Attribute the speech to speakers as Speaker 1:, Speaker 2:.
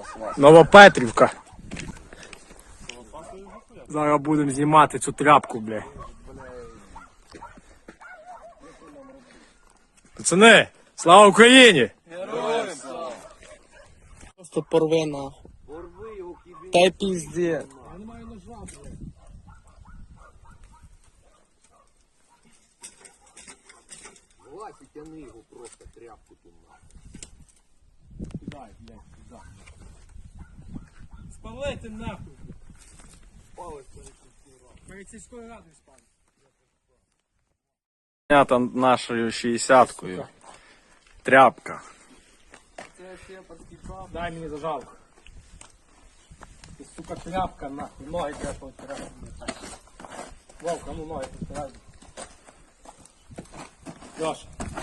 Speaker 1: Новопетрівка. Зараз будемо знімати цю тряпку, бля. Пацани, слава Україні!
Speaker 2: Героям слава!
Speaker 3: Просто порви нахуй.
Speaker 2: Порви його, кидай.
Speaker 3: Та й пізде.
Speaker 1: Я не маю ножа, бля.
Speaker 2: Влазь і тяни його просто тряпку ту нахуй.
Speaker 1: Кидай, блядь, кидай. Спалити нахуй.
Speaker 2: Палець
Speaker 1: Перед сільською радою спали.
Speaker 4: Знята нашою 60-кою. Тряпка.
Speaker 2: це шепотський пап.
Speaker 1: Дай мені зажалку. Ти, сука, тряпка, нахуй. Ноги треба повтирати. Вовка, ну ноги повтирай. Леша.